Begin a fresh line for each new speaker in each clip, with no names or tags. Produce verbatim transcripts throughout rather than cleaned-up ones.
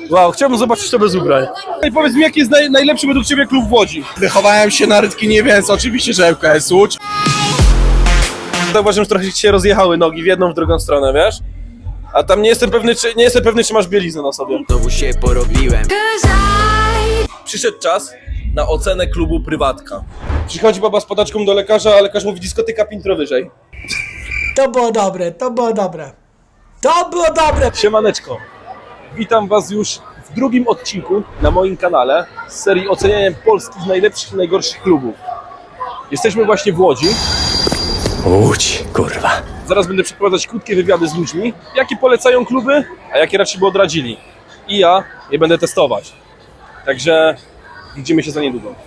Wow, chciałbym zobaczyć to bez ubrań. I powiedz mi, jaki jest naj, najlepszy według Ciebie klub w Łodzi?
Wychowałem się na Rytkinie, więc oczywiście, że L K S Łódź.
Zauważyłem, że trochę Ci się rozjechały nogi w jedną, w drugą stronę, wiesz? A tam nie jestem pewny, czy, nie jestem pewny, czy masz bieliznę na sobie.
Znowu się porobiłem.
Przyszedł czas na ocenę klubu Prywatka. Przychodzi baba z podaczką do lekarza, a lekarz mówi dyskoteka piętro wyżej.
To było dobre, to było dobre. To było dobre!
Siemaneczko, witam Was już w drugim odcinku na moim kanale z serii oceniania polskich najlepszych i najgorszych klubów. Jesteśmy właśnie w Łodzi.
Łódź, kurwa.
Zaraz będę przeprowadzać krótkie wywiady z ludźmi, jakie polecają kluby, a jakie raczej by odradzili. I ja je będę testować. Także widzimy się za niedługo.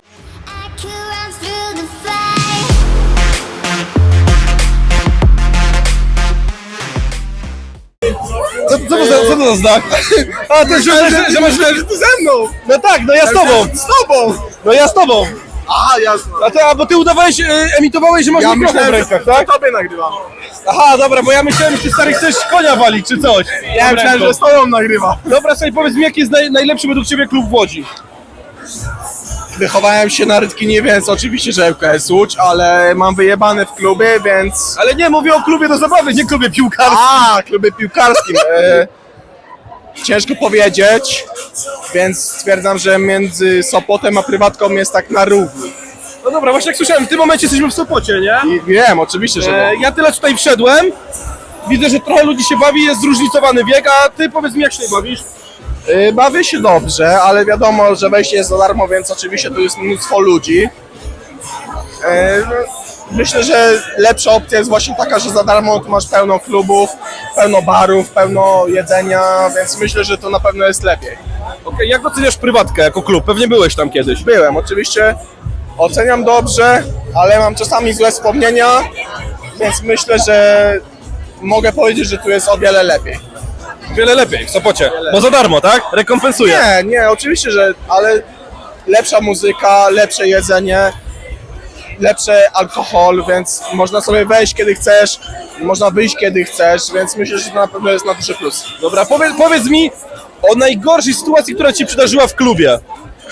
Co, co, to, za, co to za znak? A, to że, że, że masz...
że ty ze mną!
No tak, no ja z tobą!
Z tobą!
No ja z tobą!
Aha, jasne.
A ty, a bo ty udawałeś, e, emitowałeś, że masz
Ja
mikrofon w
myślałem,
rękach,
że
tak?
to tobie nagrywam.
Aha, dobra, bo ja myślałem, że ty stary chcesz konia walić, czy coś.
Ja myślałem, że z tobą nagrywa.
Dobra, sobie powiedz mi, jaki jest naj, najlepszy według Ciebie klub w Łodzi?
Wychowałem się na Rytkinie, więc oczywiście, że L K S Łódź, ale mam wyjebane w klubie, więc...
Ale nie, mówię o klubie do zabawy, nie klubie piłkarskim.
A, klubie piłkarskim. E, ciężko powiedzieć, więc stwierdzam, że między Sopotem a Prywatką jest tak na równi.
No dobra, właśnie jak słyszałem, w tym momencie jesteśmy w Sopocie, nie?
I wiem, oczywiście, że
E,
no.
ja tyle tutaj wszedłem, widzę, że trochę ludzi się bawi, jest zróżnicowany wiek, a ty powiedz mi, jak się bawisz?
Y, Bawię się dobrze, ale wiadomo, że wejście jest za darmo, więc oczywiście tu jest mnóstwo ludzi. Y, no, Myślę, że lepsza opcja jest właśnie taka, że za darmo tu masz pełno klubów, pełno barów, pełno jedzenia, więc myślę, że to na pewno jest lepiej.
Okej, jak oceniasz Prywatkę jako klub? Pewnie byłeś tam kiedyś.
Byłem, oczywiście oceniam dobrze, ale mam czasami złe wspomnienia, więc myślę, że mogę powiedzieć, że tu jest o wiele lepiej.
Wiele lepiej w Sopocie, bo za darmo, tak? Rekompensuje.
Nie, nie, oczywiście, że, ale lepsza muzyka, lepsze jedzenie, lepszy alkohol, więc można sobie wejść kiedy chcesz, można wyjść kiedy chcesz, więc myślę, że to na pewno jest na duży plus.
Dobra, powiedz, powiedz mi o najgorszej sytuacji, która Ci przydarzyła w klubie.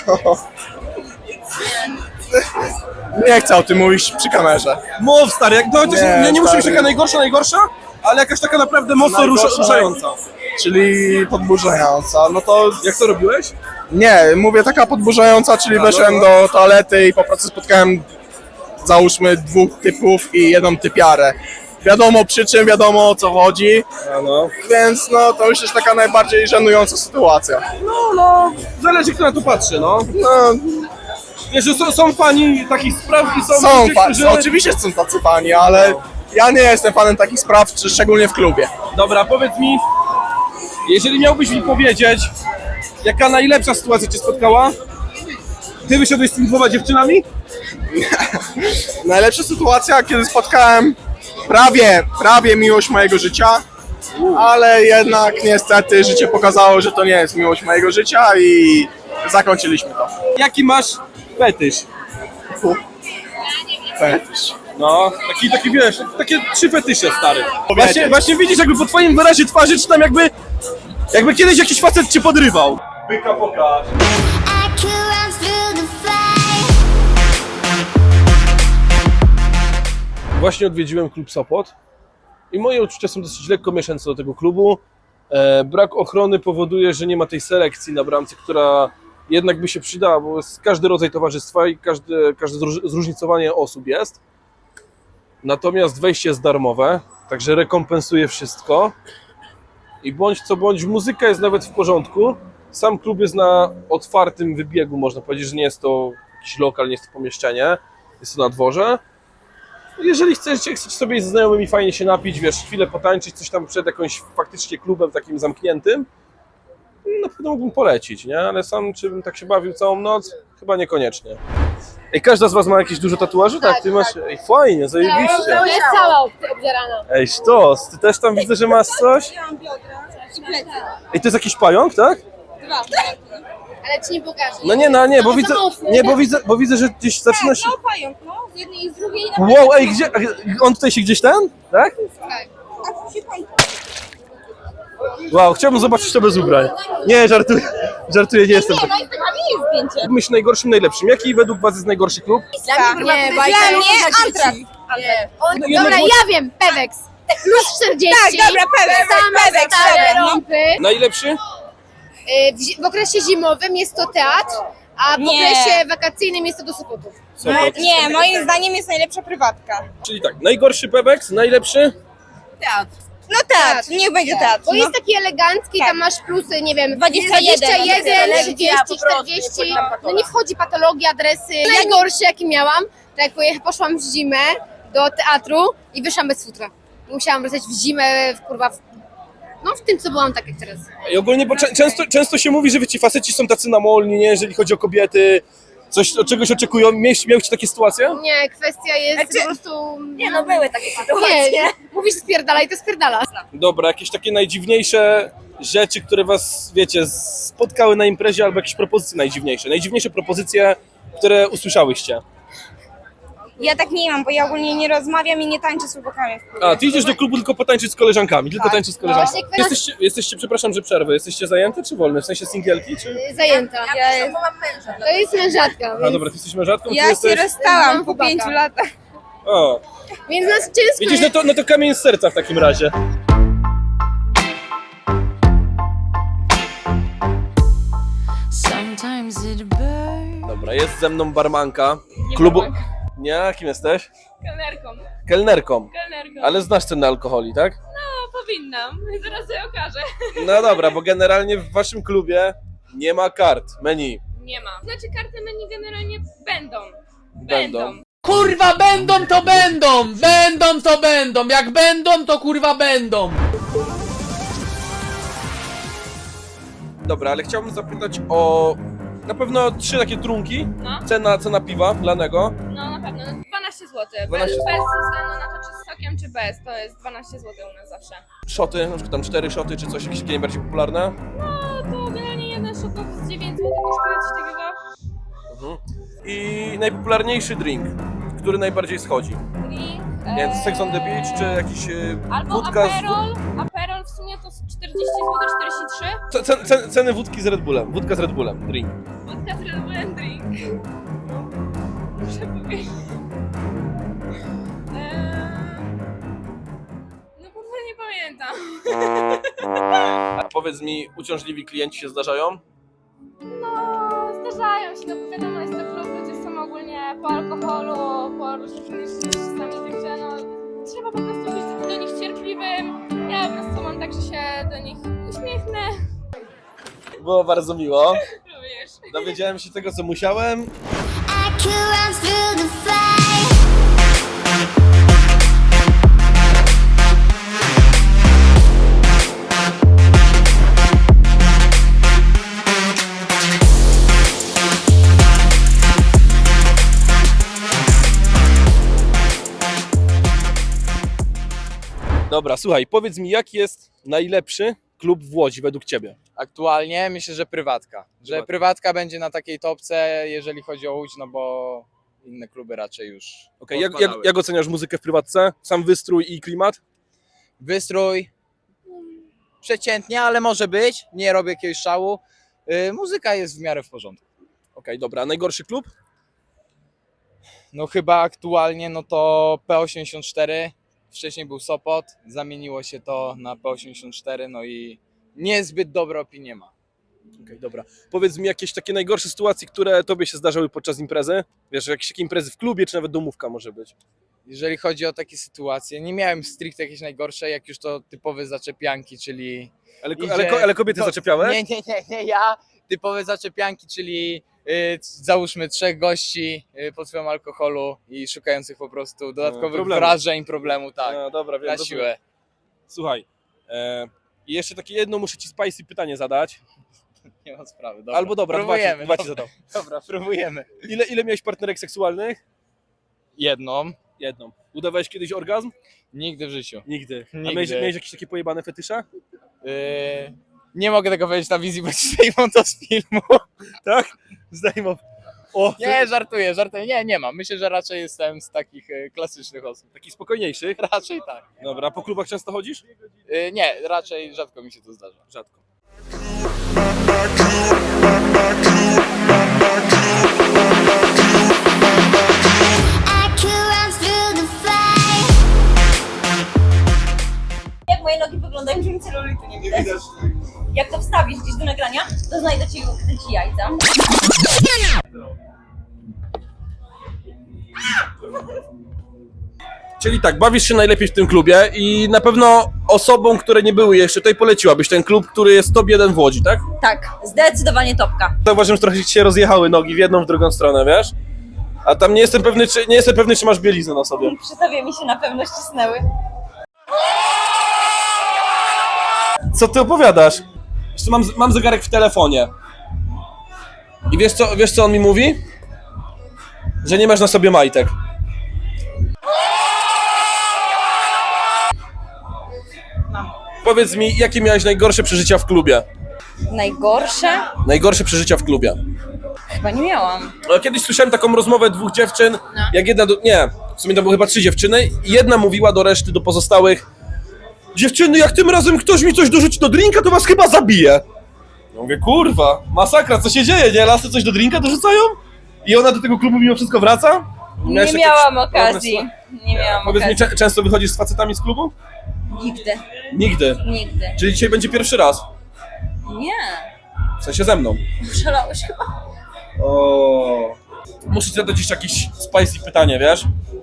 Nie chcę o tym mówić przy kamerze.
Mów stary, jak, no, chociaż
Nie,
nie, nie musi być
stary.
taka najgorsza, najgorsza, ale jakaś taka naprawdę mocno rusza,
Najgorsza,
ruszająca.
Czyli podburzająca, no to
Jak to robiłeś?
nie, mówię taka podburzająca, czyli
A,
weszłem
no,
do toalety i po prostu spotkałem załóżmy dwóch typów i jedną typiarę. Wiadomo przy czym, wiadomo o co chodzi,
A no.
więc no to myślę, że taka najbardziej żenująca sytuacja.
No, no, zależy kto na to patrzy, no.
No,
Wiesz, że są, są fani takich spraw i są,
są
ludzie,
fa-
którzy...
oczywiście są tacy fani, ale ja nie jestem fanem takich spraw, czy szczególnie w klubie.
Dobra, powiedz mi, jeżeli miałbyś mi powiedzieć, jaka najlepsza sytuacja Cię spotkała, Ty wyszedłeś z tymi dwoma dziewczynami?
Najlepsza sytuacja, kiedy spotkałem prawie, prawie miłość mojego życia, ale jednak niestety życie pokazało, że to nie jest miłość mojego życia i zakończyliśmy to.
Jaki masz fetysz?
Fetysz.
No, taki, taki wiesz, takie trzy fetysze, stary. Właśnie, właśnie widzisz, jakby po twoim wyrazie twarzy, czy tam jakby, jakby kiedyś jakiś facet cię podrywał. Byka pokaż. Właśnie odwiedziłem klub Sopot i moje uczucia są dosyć lekko mieszane co do tego klubu. E, brak ochrony powoduje, że nie ma tej selekcji na bramce, która jednak by się przydała, bo jest każdy rodzaj towarzystwa i każde, każde zróż- zróżnicowanie osób jest. Natomiast wejście jest darmowe, także rekompensuje wszystko. I bądź co bądź, muzyka jest nawet w porządku. Sam klub jest na otwartym wybiegu, można powiedzieć, że nie jest to jakiś lokal, nie jest to pomieszczenie. Jest to na dworze. Jeżeli chcecie, chcecie sobie ze znajomymi fajnie się napić, wiesz, chwilę potańczyć, coś tam przed jakimś faktycznie klubem takim zamkniętym, na pewno mógłbym polecić, nie? Ale sam, czy bym tak się bawił całą noc? Chyba niekoniecznie. Ej, każda z was ma jakieś dużo tatuaży? Tak, ty masz... Ej, fajnie, zajebiście.
To jest cała obdzierana.
Ej, sztos, ty też tam widzę, że masz coś?
Mam biodra i plecy.
Ej, to jest jakiś pająk, tak?
Dwa. Ale ci nie pokażę.
No nie, no nie, bo
No,
widzę,
za mocno,
nie, bo
tak?
widzę, bo widzę, że gdzieś zaczyna się...
No pająk, no. Z jednej i z drugiej na
Wow, ej, gdzie, on tutaj się gdzieś ten? Tak?
tak.
Wow, chciałbym zobaczyć to bez ubrań. Nie, żartuję, żartuję, nie jestem
Nie,
taki.
no Instagramie jest zdjęcie.
Myśl najgorszym, najlepszym. Jaki według was jest najgorszy klub?
Dla mnie, nie, dla mnie Antrax. On,
No,
dobra,
jednak-
ja wiem, Pewex. Plus czterdzieści.
Tak, dobra, Pewex,
Same
Pewex,
stare
dobra, no.
rąpy.
Najlepszy?
Y, W, zi- w okresie zimowym jest to teatr, a w
Nie.
okresie wakacyjnym jest to do Sopotu.
Sopot.
Nie, moim zdaniem jest najlepsza prywatka.
Czyli tak, najgorszy Pewex, najlepszy?
No teatr, niech będzie teatr.
Bo
No.
jest taki elegancki,
Tak.
tam masz plusy, nie wiem,
dwadzieścia jeden,
trzydzieści, czterdzieści, no nie wchodzi patologia, adresy. Najgorszy jaki miałam, to jak pojecha- poszłam w zimę do teatru i wyszłam bez futra. Musiałam wracać w zimę, w, kurwa, w, no w tym co byłam tak jak teraz.
I ogólnie, bo czę- często, często się mówi, że wy ci faceci są tacy namolni, nie? Jeżeli chodzi o kobiety, coś, od czegoś oczekują. Miałeś, miałeś takie sytuacje?
Nie, kwestia jest
Znaczy-
po prostu...
Nie no, były takie
Nie,
sytuacje.
nie, mówisz spierdalaj, to spierdala.
Dobra, jakieś takie najdziwniejsze rzeczy, które was, wiecie, spotkały na imprezie, albo jakieś propozycje najdziwniejsze. Najdziwniejsze propozycje, które usłyszałyście.
Ja tak nie mam, bo ja ogólnie nie rozmawiam i nie tańczę z chłopakami w klubie.
A, ty idziesz do klubu tylko potańczyć z koleżankami, tylko
Tak.
tańczyć z koleżankami.
No właśnie kwestia-
Jesteście, jesteście, przepraszam, że przerwę, jesteście zajęte czy wolne? W sensie singielki, czy...
Zajęta.
Ja, jest...
To jest mężatka,
A
więc,
dobra, ty jesteś mężatką, ty
ja się
jesteś...
rozstałam po
chłopaka.
pięciu latach.
O,
więc nas ciężko
widzisz, no to, no to kamień z serca w takim razie.
Sometimes it burns.
Dobra, jest ze mną barmanka klubu... Nie, kim jesteś?
Kelnerką,
Kelnerką.
kelnerką.
Ale znasz cenę alkoholi, tak?
No, powinnam. Zaraz sobie okażę.
No dobra, bo generalnie w waszym klubie nie ma kart, menu.
Nie ma. Znaczy karty menu generalnie będą.
Będą.
Kurwa będą to będą! Będą to będą! Jak będą to kurwa będą!
Dobra, ale chciałbym zapytać o na pewno trzy takie trunki.
No,
Cena, cena piwa lanego.
no na pewno. No, dwanaście złotych.
dwanaście
Bez, bez względu na to, czy z sokiem, czy bez. To jest dwanaście złotych u nas zawsze.
Szoty, na przykład tam cztery szoty, czy coś jakieś takie najbardziej popularne.
No, to generalnie jeden shot z dziewięć złotych kosztuje coś takiego.
Mhm. I najpopularniejszy drink, który najbardziej schodzi.
Drink.
Nie wiem, Sex on the Beach, czy jakiś e,
Albo
wódka z...
Aperol. Aperol w sumie to czterdzieści złotych, czterdzieści trzy.
Ce- ce- ce- Ceny wódki z Red Bullem. Wódka z Red Bullem, drink.
Wódka z Red Bullem drink. Muszę powiedzieć. Eee... No kurwa nie pamiętam.
A powiedz mi, uciążliwi klienci się zdarzają?
No, zdarzają się, no bo wiadomo, jest to klub, ludzie są ogólnie po alkoholu, po różnych innych czasami, także no trzeba po prostu być do nich cierpliwym. Ja po prostu mam tak, że się do nich uśmiechnę.
Było bardzo miło.
Również.
Dowiedziałem się tego, co musiałem.
I could run through the fire.
Dobra, słuchaj, powiedz mi, jaki jest najlepszy klub w Łodzi według ciebie?
Aktualnie myślę, że prywatka. Że
Prywatka.
prywatka będzie na takiej topce, jeżeli chodzi o Łódź, no bo inne kluby raczej już.
Okej, jak, jak,
odpadały.
jak oceniasz muzykę w prywatce? Sam wystrój i klimat?
Wystrój przeciętnie, ale może być. Nie robię jakiegoś szału. Yy, muzyka jest w miarę w porządku.
Okej, dobra, a najgorszy klub?
No chyba aktualnie no to P osiemdziesiąt cztery. Wcześniej był Sopot, zamieniło się to na P osiemdziesiąt cztery, no i niezbyt dobre opinie ma.
Okej, dobra. Powiedz mi jakieś takie najgorsze sytuacje, które tobie się zdarzały podczas imprezy? Wiesz, jakieś takie imprezy w klubie, czy nawet domówka może być?
Jeżeli chodzi o takie sytuacje, nie miałem stricte jakieś najgorsze, jak już to typowe zaczepianki, czyli...
Ale,
Idzie-
ale, ale kobiety
to-
zaczepiałeś?
Nie, nie, nie, nie, ja. Typowe zaczepianki, czyli y, załóżmy trzech gości y, pod wpływem alkoholu i szukających po prostu dodatkowych
problemu.
wrażeń, problemu, tak,
No, dobra, wiem.
na
rozumiem.
siłę.
Słuchaj, e, i jeszcze takie jedno muszę ci spicy pytanie zadać.
Nie ma sprawy, dobra.
Albo dobra, dwa ci,
próbujemy,
dwa ci
dobra,
zadam.
dobra, próbujemy.
Ile, ile miałeś partnerek seksualnych?
Jedną,
Jedną. Udawałeś kiedyś orgazm?
nigdy w życiu.
Nigdy. A
Nigdy.
miałeś, miałeś jakieś takie pojebane fetysze?
Y, nie mogę tego powiedzieć na wizji, bo ci zdejmą to z filmu.
Tak? Zdejmą. O,
Nie, żartuję, żartuję. Nie, nie mam. Myślę, że raczej jestem z takich e, klasycznych osób.
takich spokojniejszych.
Raczej tak.
Dobra, po klubach często chodzisz?
E, Nie, raczej rzadko mi się to zdarza.
Rzadko.
I could run through the fire.
Jak moje nogi wyglądają, że mi celulitu nie widać. Jak to wstawisz gdzieś do nagrania, to znajdę ci, ci jajca.
Czyli tak, bawisz się najlepiej w tym klubie i na pewno osobom, które nie były jeszcze tutaj, poleciłabyś ten klub, który jest top jeden w Łodzi, tak?
Tak, zdecydowanie topka.
Zauważyłem, że trochę ci się rozjechały nogi w jedną, w drugą stronę, wiesz? A tam nie jestem pewny, czy, nie jestem pewny, czy masz bieliznę na sobie.
Przy tobie mi się na pewno ścisnęły.
Co ty opowiadasz? Jeszcze mam, mam zegarek w telefonie. I wiesz co, wiesz co on mi mówi? Że nie masz na sobie majtek. Powiedz mi, jakie miałeś najgorsze przeżycia w klubie?
Najgorsze?
Najgorsze przeżycia w klubie.
Chyba nie miałam.
No, kiedyś słyszałem taką rozmowę dwóch dziewczyn, jak jedna do... Nie, w sumie to były chyba trzy dziewczyny i jedna mówiła do reszty, do pozostałych: dziewczyny, jak tym razem ktoś mi coś dorzuci do drinka, to was chyba zabije. Ja mówię, kurwa, masakra, co się dzieje, nie? Lasy coś do drinka dorzucają? I ona do tego klubu mimo wszystko wraca? Miałeś
Nie
jakieś
miałam
podobne
okazji.
sytuacje?
Nie miałam
Powiedz mi,
okazji.
cze- często wychodzisz z facetami z klubu?
Nigdy.
Nigdy.
Nigdy.
Czyli dzisiaj będzie pierwszy raz.
Nie.
W sensie ze mną.
Szalałeś chyba.
O. Muszę ci zadać jeszcze jakieś spicy pytanie, wiesz?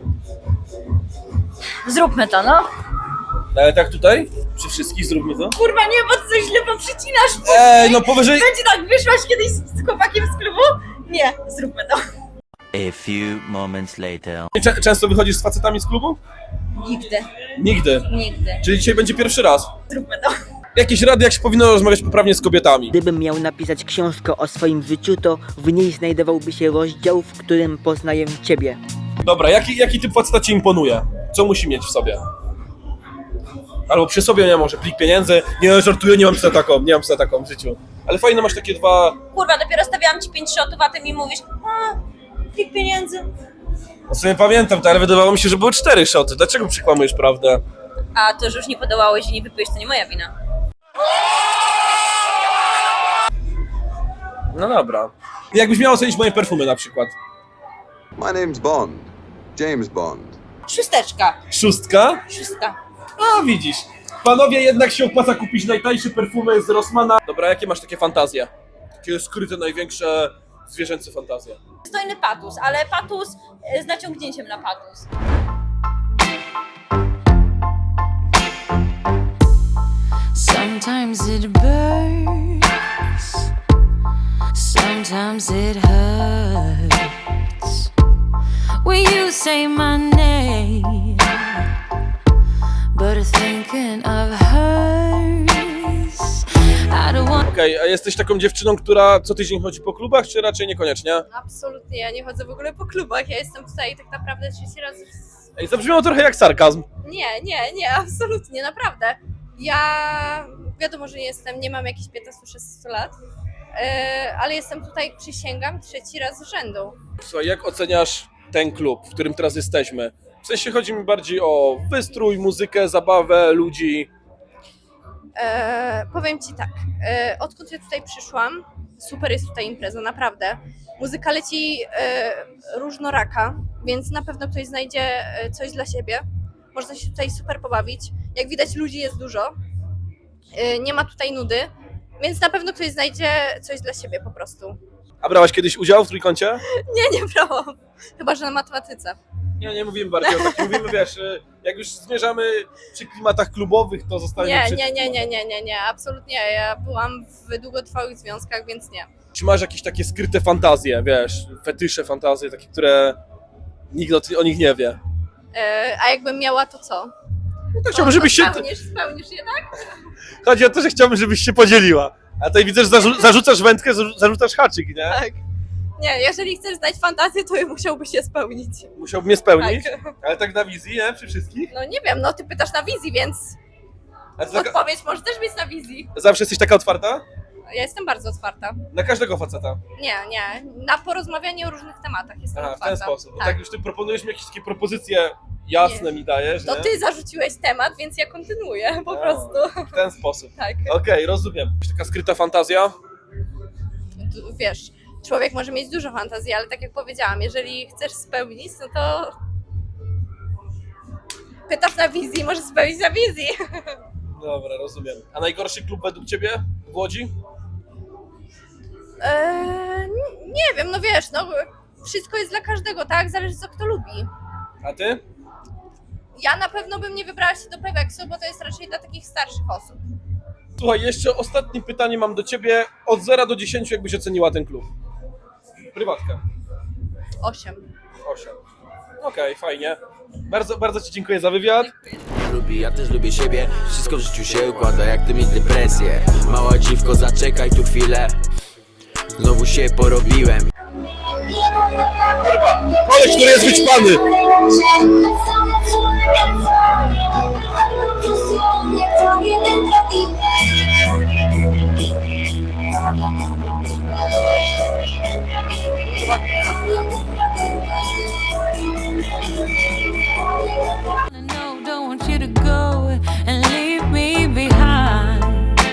Zróbmy to, no.
Ale tak tutaj? Przy wszystkich zróbmy to?
Kurwa, nie, bo ty coś źle poprzecinasz.
Ej, no powyżej...
Będzie tak, wyszłaś kiedyś z chłopakiem z klubu? Nie, zróbmy to.
A few moments later.
Cze- często wychodzisz z facetami z klubu?
Nigdy.
Nigdy.
Nigdy.
Czyli dzisiaj będzie pierwszy raz.
Zróbmy to.
Jakieś rady, jak się powinno rozmawiać poprawnie z kobietami?
Gdybym miał napisać książkę o swoim życiu, to w niej znajdowałby się rozdział, w którym poznaję ciebie.
Dobra, jaki, jaki typ faceta ci imponuje? Co musi mieć w sobie? Albo przy sobie, nie może, plik pieniędzy. Nie, żartuję, nie mam za taką, nie mam za taką w życiu. Ale fajne masz takie dwa...
Kurwa, dopiero stawiałam ci pięć shotów, a ty mi mówisz, a, plik pieniędzy.
No sobie pamiętam to, ale wydawało mi się, że były cztery szoty. Dlaczego przykłamujesz prawdę?
A to, że już nie podołałeś i nie wypiłeś, to nie moja wina.
No dobra. Jakbyś miał ocenić moje perfumy na przykład?
My name's Bond. James Bond.
Szósteczka.
Szóstka?
Szóstka.
A widzisz. Panowie, jednak się opłaca kupić najtańsze perfumy z Rossmana. Dobra, jakie masz takie fantazje? Takie skryte, największe zwierzęce fantazje?
Stojny patus, ale patus e, z naciągnięciem na patus.
Sometimes it burns, sometimes it hurts. When you say my name, but thinking of hers, I don't want.
Okej, a jesteś taką dziewczyną, która co tydzień chodzi po klubach, czy raczej niekoniecznie?
Absolutnie, ja nie chodzę w ogóle po klubach, ja jestem tutaj tak naprawdę trzeci raz. w-
Ej, zabrzmiało trochę jak sarkazm.
Nie, nie, nie, absolutnie, naprawdę. Ja wiadomo, że nie jestem, nie mam jakichś piętnaście szesnaście lat, yy, ale jestem tutaj, przysięgam, trzeci raz z rzędu.
Słuchaj, jak oceniasz ten klub, w którym teraz jesteśmy? W sensie chodzi mi bardziej o wystrój, muzykę, zabawę, ludzi.
E, powiem Ci tak, e, odkąd ja tutaj przyszłam, super jest tutaj impreza, naprawdę. Muzyka leci e, różnoraka, więc na pewno ktoś znajdzie e, coś dla siebie. Można się tutaj super pobawić. Jak widać, ludzi jest dużo. E, nie ma tutaj nudy, więc na pewno ktoś znajdzie coś dla siebie po prostu.
A brałaś kiedyś udział w trójkącie?
Nie, nie brałam. Chyba, że na matematyce.
Nie, nie mówimy bardziej o takim. Mówimy, wiesz, jak już zmierzamy przy klimatach klubowych, to zostanie
Nie,
przy...
nie, nie, nie, nie, nie, nie, absolutnie. Ja byłam w długotrwałych związkach, więc nie.
Czy masz jakieś takie skryte fantazje, wiesz, fetysze, fantazje, takie, które nikt o, o nich nie wie?
E, a jakbym miała, to co?
No to chciałbym, żebyś się...
Spełnisz, spełnisz je, tak?
Chodzi o to, że chciałbym, żebyś się podzieliła. A tutaj widzę, że zarzu- zarzucasz wędkę, zarzu- zarzucasz haczyk, nie?
Tak. Nie, jeżeli chcesz znać fantazję, to musiałbyś się spełnić.
Musiałbym mnie spełnić,
Tak.
ale tak na wizji, nie? Przy wszystkich?
No nie wiem, no ty pytasz na wizji, więc
A ty taka,
odpowiedź może też być na wizji.
zawsze jesteś taka otwarta?
Ja jestem bardzo otwarta.
Na każdego faceta.
Nie, nie. Na porozmawianie o różnych tematach jestem
Aha, w
otwarta.
ten sposób. Bo
Tak.
tak już ty proponujesz mi jakieś takie propozycje jasne mi dajesz,
To
nie?
ty zarzuciłeś temat, więc ja kontynuuję po
A,
prostu.
W ten sposób.
Tak.
Okej, rozumiem. Taka skryta fantazja?
Tu, wiesz, człowiek może mieć dużo fantazji, ale tak jak powiedziałam, jeżeli chcesz spełnić, no to pytasz na wizji, możesz spełnić na wizji.
Dobra, rozumiem. A najgorszy klub według ciebie w Łodzi?
Eee, nie wiem, no wiesz, no wszystko jest dla każdego, tak? Zależy co kto lubi.
A ty?
Ja na pewno bym nie wybrała się do Peweksu, bo to jest raczej dla takich starszych osób.
Słuchaj, jeszcze ostatnie pytanie mam do ciebie. Od zera do dziesięciu jakbyś oceniła ten klub? Prywatkę.
Osiem.
osiem. Okej, fajnie. Bardzo, bardzo ci dziękuję za wywiad.
Lubi, ja też lubię siebie. Wszystko w życiu się układa, jak ty mieć depresję. Mała dziwko, zaczekaj tu chwilę. Znowu się porobiłem.
Koleś, który jest wyćpany!
No, don't want you to go and leave me behind.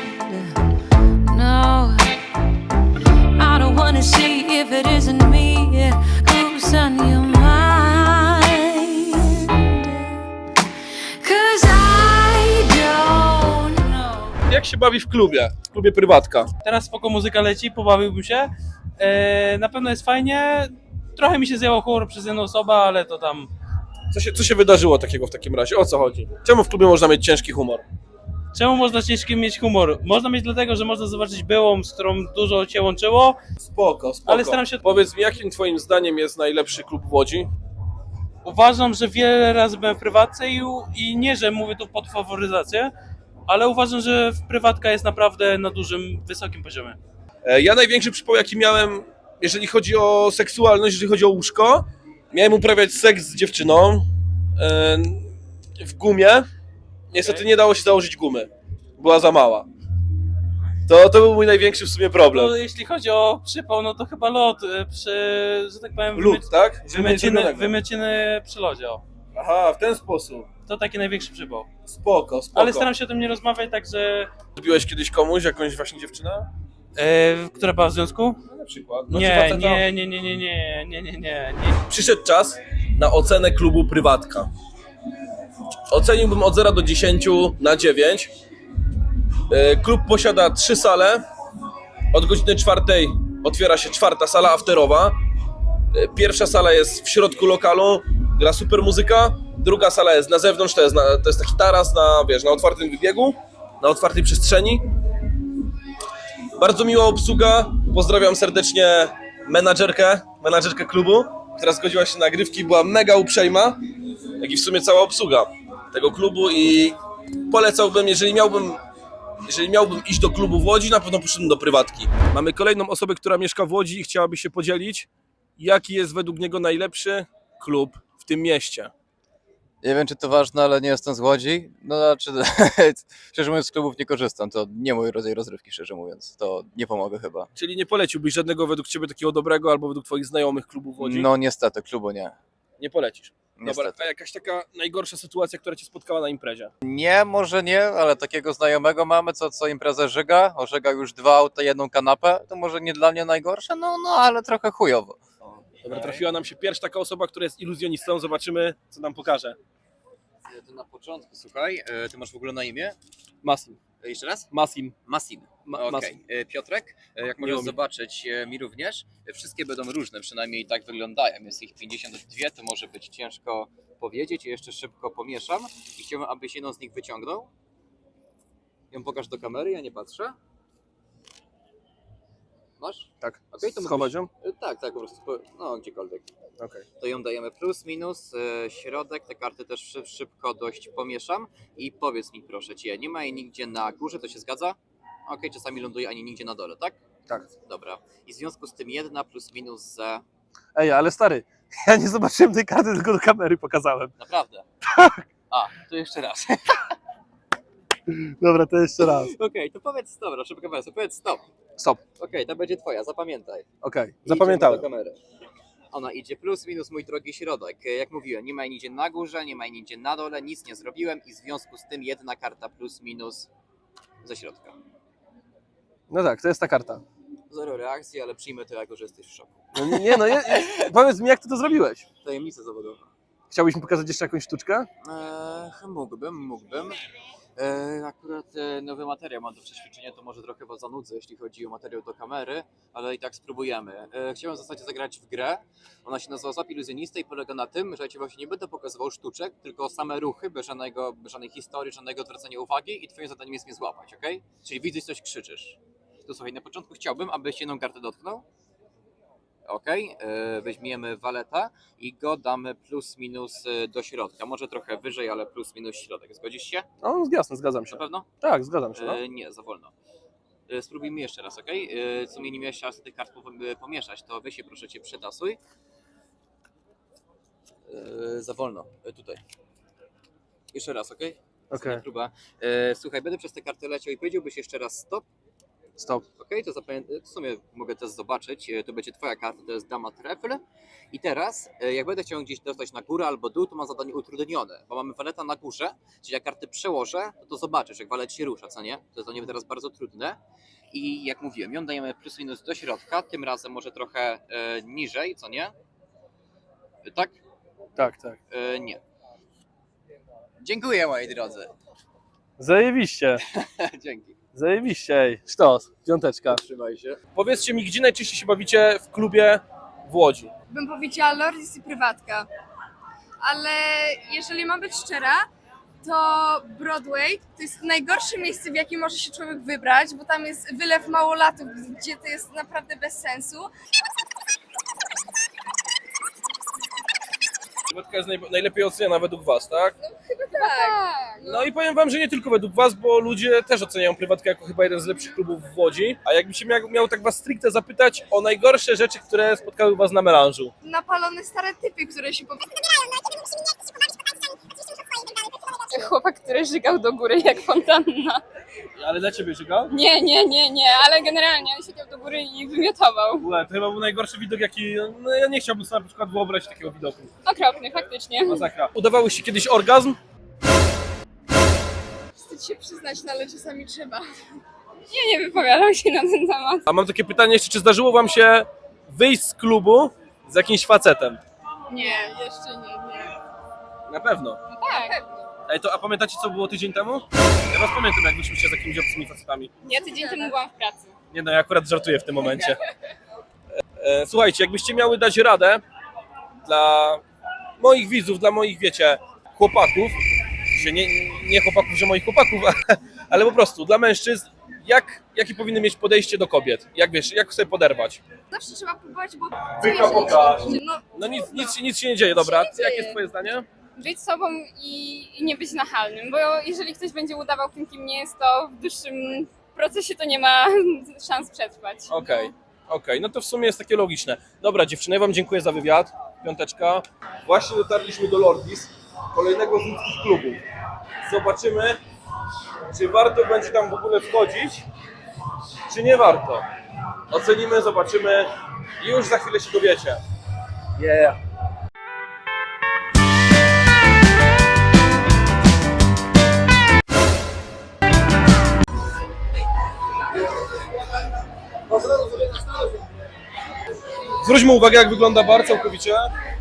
No, I don't wanna see if it isn't me who's on your mind. 'Cause I don't know.
Jak się bawi w klubie? W klubie Prywatka.
Teraz spoko muzyka leci, pobawiłbym się. E, na pewno jest fajnie. Trochę mi się zjęło humor przez jedną osobę, ale to tam...
Co się, co się wydarzyło takiego w takim razie? O co chodzi? Czemu w klubie można mieć ciężki humor?
Czemu można ciężkim mieć humor? Można mieć dlatego, że można zobaczyć byłą, z którą dużo cię łączyło.
Spoko, spoko.
Ale staram się-
Powiedz mi, jakim twoim zdaniem jest najlepszy klub w Łodzi?
Uważam, że wiele razy byłem w prywatce i, i nie, że mówię tu pod faworyzację, ale uważam, że prywatka jest naprawdę na dużym, wysokim poziomie.
E, Ja największy przypał, jaki miałem, jeżeli chodzi o seksualność, jeżeli chodzi o łóżko, miałem uprawiać seks z dziewczyną e, w gumie. Niestety nie dało się założyć gumy. Była za mała. To, to był mój największy w sumie problem.
No, jeśli chodzi o przypał, no to chyba lot e, przy, że tak powiem,
Lód, tak?
wymieciny,
Ziemnianego.
wymieciny przy lodzie. O.
Aha, w ten sposób.
To taki największy przypał.
Spoko, spoko.
Ale staram się o tym nie rozmawiać, także...
Zrobiłeś kiedyś komuś, jakąś właśnie dziewczynę?
E, która była w związku?
No, na przykład. No, czy
Nie,
faceta?
nie, nie, nie, nie, nie, nie, nie, nie, nie.
Przyszedł czas na ocenę klubu Prywatka. Oceniłbym od zera do dziesięciu na dziewięć. E, Klub posiada trzy sale. Od godziny czwartej otwiera się czwarta sala afterowa. E, Pierwsza sala jest w środku lokalu, gra super muzyka. Druga sala jest na zewnątrz, to jest, na, to jest taki taras na, wiesz, na otwartym wybiegu, na otwartej przestrzeni. Bardzo miła obsługa. Pozdrawiam serdecznie menadżerkę, menadżerkę klubu, która zgodziła się na nagrywki, była mega uprzejma, jak i w sumie cała obsługa tego klubu i polecałbym, jeżeli miałbym, jeżeli miałbym iść do klubu w Łodzi, na pewno poszedłem do Prywatki. Mamy kolejną osobę, która mieszka w Łodzi i chciałaby się podzielić, jaki jest według niego najlepszy klub w tym mieście.
Nie wiem, czy to ważne, ale nie jestem z Łodzi. No, znaczy, szczerze mówiąc, z klubów nie korzystam. To nie mój rodzaj rozrywki, szczerze mówiąc. To nie pomogę chyba.
Czyli nie poleciłbyś żadnego według ciebie takiego dobrego albo według twoich znajomych klubów w Łodzi?
No niestety, klubu nie.
Nie polecisz. Dobra,
Niestety.
a jakaś taka najgorsza sytuacja, która cię spotkała na imprezie?
Nie, może nie, ale takiego znajomego mamy, co, co imprezę żyga. Ożyga już dwa auta, jedną kanapę. To może nie dla mnie najgorsze, no, no ale trochę chujowo.
Dobra, trafiła nam się pierwsza taka osoba, która jest iluzjonistą. Zobaczymy, co nam pokaże.
To na początku, słuchaj, ty masz w ogóle na imię?
Masim.
Jeszcze raz?
Masim.
Masim.
Ma-
Okej.
Masim.
E, Piotrek, e, jak możesz
Miło mi.
zobaczyć, e, mi również, e, wszystkie będą różne, przynajmniej tak wyglądają. Jest ich pięćdziesiąt dwa, to może być ciężko powiedzieć. Jeszcze szybko pomieszam i chciałbym, abyś jedną z nich wyciągnął. Ją pokaż do kamery, ja nie patrzę. Masz?
Tak.
Okej, to
Schować ją?
mógłbyś- e, Tak, tak, po prostu, po- no gdziekolwiek.
Okej.
To ją dajemy plus, minus, e, środek, te karty też szyb, szybko dość pomieszam i powiedz mi proszę Cię, nie ma jej nigdzie na górze, to się zgadza? Okej, czasami ląduje ani nigdzie na dole, tak?
Tak.
Dobra. I w związku z tym jedna plus minus za...
Ej, ale stary, ja nie zobaczyłem tej karty, tylko do kamery pokazałem.
Naprawdę? Tak! A, to jeszcze raz.
Dobra, to jeszcze raz.
Okej, to powiedz, dobra, szybka wersja, powiedz stop.
Stop.
Okej, to będzie twoja, zapamiętaj.
Okej,
Idziemy
zapamiętałem.
do kamery. Ona idzie plus, minus, mój drogi środek. Jak mówiłem, nie ma jej nigdzie na górze, nie ma jej nigdzie na dole, nic nie zrobiłem i w związku z tym jedna karta plus, minus ze środka.
No tak, to jest ta karta.
Zero reakcji, ale przyjmę to jako, że jesteś w szoku.
No nie, nie no, nie, powiedz mi, jak ty to zrobiłeś?
Tajemnica zawodowa.
Chciałbyś mi pokazać jeszcze jakąś sztuczkę?
Eee, mógłbym, mógłbym. Eee, akurat e, nowy materiał mam do przećwiczenia, to może trochę was zanudzę, jeśli chodzi o materiał do kamery, ale i tak spróbujemy. Eee, chciałem w zasadzie zagrać w grę. Ona się nazywa Złap Iluzjonistę i polega na tym, że ja ci właśnie nie będę pokazywał sztuczek, tylko same ruchy, bez, żadnego, bez żadnej historii, żadnego odwracania uwagi i twoim zadaniem jest mnie złapać, ok? Czyli widzisz coś, krzyczysz. To słuchaj, na początku chciałbym, abyś jedną kartę dotknął. Ok, e, weźmiemy waleta i go damy plus minus e, do środka. Może trochę wyżej, ale plus minus środek. Zgodzisz się?
No jasne, zgadzam się.
Na pewno?
Tak, zgadzam się. No.
E, nie, za wolno. E, spróbujmy jeszcze raz, ok? E, co mnie nie miałeś czas tych kart po- pomieszać, to weź się proszę cię przetasuj. E, za wolno, e, tutaj. Jeszcze raz, ok?
Okej.
Próba. E, słuchaj, będę przez te karty leciał i powiedziałbyś jeszcze raz stop.
Stop.
Ok, to zapamię- w sumie mogę też zobaczyć, e, to będzie twoja karta, to jest dama trefl. I teraz, e, jak będę chciał gdzieś dostać na górę albo dół, to mam zadanie utrudnione, bo mamy waleta na górze, czyli jak karty przełożę, to, to zobaczysz, jak walet się rusza, co nie? To jest dla niego teraz bardzo trudne. I jak mówiłem, ją dajemy plus minus do środka, tym razem może trochę e, niżej, co nie? E, tak?
Tak, tak.
E, nie. Dziękuję, moi drodzy.
Zajebiście.
Dzięki.
Zajebiście, ej. Sztos, piąteczka.
Trzymaj się.
Powiedzcie mi, gdzie najczęściej się bawicie w klubie w Łodzi?
Bym powiedziała Lordis i prywatka. Ale jeżeli mam być szczera, to Broadway to jest najgorsze miejsce, w jakim może się człowiek wybrać, bo tam jest wylew małolatów, gdzie to jest naprawdę bez sensu.
Prywatka jest naj, najlepiej oceniana według was, tak?
Chyba tak.
No i powiem wam, że nie tylko według was, bo ludzie też oceniają Prywatkę jako chyba jeden z lepszych klubów w Łodzi. A jakby się miał, miał tak was stricte zapytać o najgorsze rzeczy, które spotkały was na melanżu.
Napalone stare typy, które się po...
Chłopak, który żygał do góry jak fontanna.
Ale dla ciebie żygał?
Nie, nie, nie, nie, ale generalnie on siedział do góry i wymiotował.
Ue, to chyba był najgorszy widok, jaki... No ja nie chciałbym sobie na przykład wyobrazić takiego widoku.
Okropny, faktycznie.
Masakra. Udawałyście kiedyś orgazm?
Wstyd się przyznać, no ale czasami trzeba.
Nie, nie wypowiadam się na ten temat.
A mam takie pytanie jeszcze, czy zdarzyło wam się wyjść z klubu z jakimś facetem?
Nie, jeszcze nie, nie.
Na pewno.
Tak.
Ej, to, a pamiętacie, co było tydzień temu? Ja was pamiętam, jak wyszliście z jakimiś obcymi facetami.
Ja tydzień temu byłam w pracy.
Nie no, ja akurat żartuję w tym momencie. E, słuchajcie, jakbyście miały dać radę dla moich widzów, dla moich, wiecie, chłopaków, się nie, nie chłopaków, że moich chłopaków, ale po prostu dla mężczyzn, jak, jakie powinny mieć podejście do kobiet? Jak wiesz, jak sobie poderwać?
Zawsze trzeba próbować, bo...
Wyka pokaż.
No,
No nic, nic, się- nic się nie dzieje, dobra.
Nic się nie
Jakie
dzieje.
jest twoje zdanie?
Być sobą i, i nie być nachalnym, bo jeżeli ktoś będzie udawał tym, kim nie jest, to w dłuższym procesie to nie ma szans przetrwać.
Okej, okej, no to w sumie jest takie logiczne. Dobra dziewczyny, wam dziękuję za wywiad, piąteczka. Właśnie dotarliśmy do Lordis, kolejnego z ludzkich klubów. Zobaczymy, czy warto będzie tam w ogóle wchodzić, czy nie warto. Ocenimy, zobaczymy i już za chwilę się dowiecie. Yeah. Zwróćmy uwagę, jak wygląda bar całkowicie.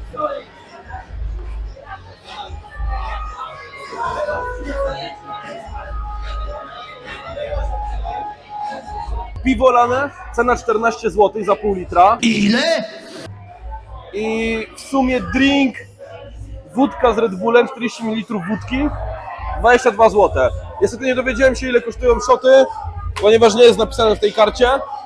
Piwo lane, cena czternaście złotych za pół litra. Ile? I w sumie drink, wódka z Red Bullem, czterdzieści mililitrów wódki, dwadzieścia dwa złote. Niestety nie dowiedziałem się, ile kosztują szoty, ponieważ nie jest napisane w tej karcie.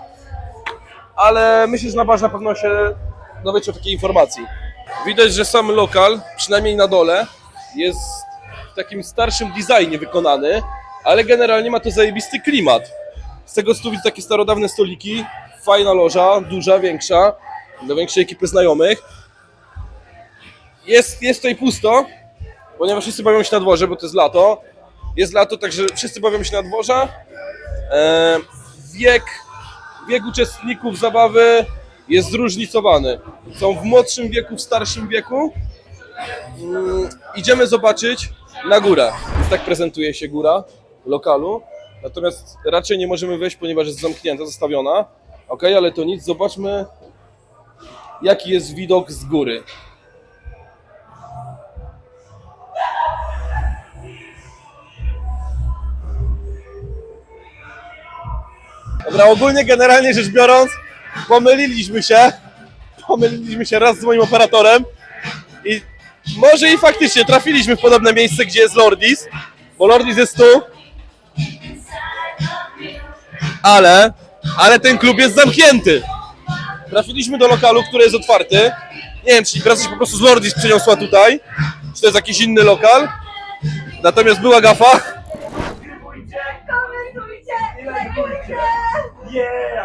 Ale myślę, że na barze na pewno się dowiecie o takiej informacji. Widać, że sam lokal, przynajmniej na dole, jest w takim starszym designie wykonany, ale generalnie ma to zajebisty klimat. Z tego stu widzę takie starodawne stoliki, fajna loża, duża, większa, dla większej ekipy znajomych. Jest, jest tutaj pusto, ponieważ wszyscy bawią się na dworze, bo to jest lato. Jest lato, także wszyscy bawią się na dworze. E, wiek, wiek uczestników zabawy jest zróżnicowany. Są w młodszym wieku, w starszym wieku. Mm, idziemy zobaczyć na górę. Więc tak prezentuje się góra lokalu. Natomiast raczej nie możemy wejść, ponieważ jest zamknięta, zostawiona. Ok, ale to nic, zobaczmy jaki jest widok z góry. Dobra, ogólnie generalnie rzecz biorąc, pomyliliśmy się. Pomyliliśmy się raz z moim operatorem i może i faktycznie trafiliśmy w podobne miejsce, gdzie jest Lordis, bo Lordis jest tu. Ale, ale ten klub jest zamknięty. Trafiliśmy do lokalu, który jest otwarty. Nie wiem, czy impreza się po prostu z Lordis przeniosła tutaj, czy to jest jakiś inny lokal. Natomiast była gafa.
Komentujcie, lajkujcie!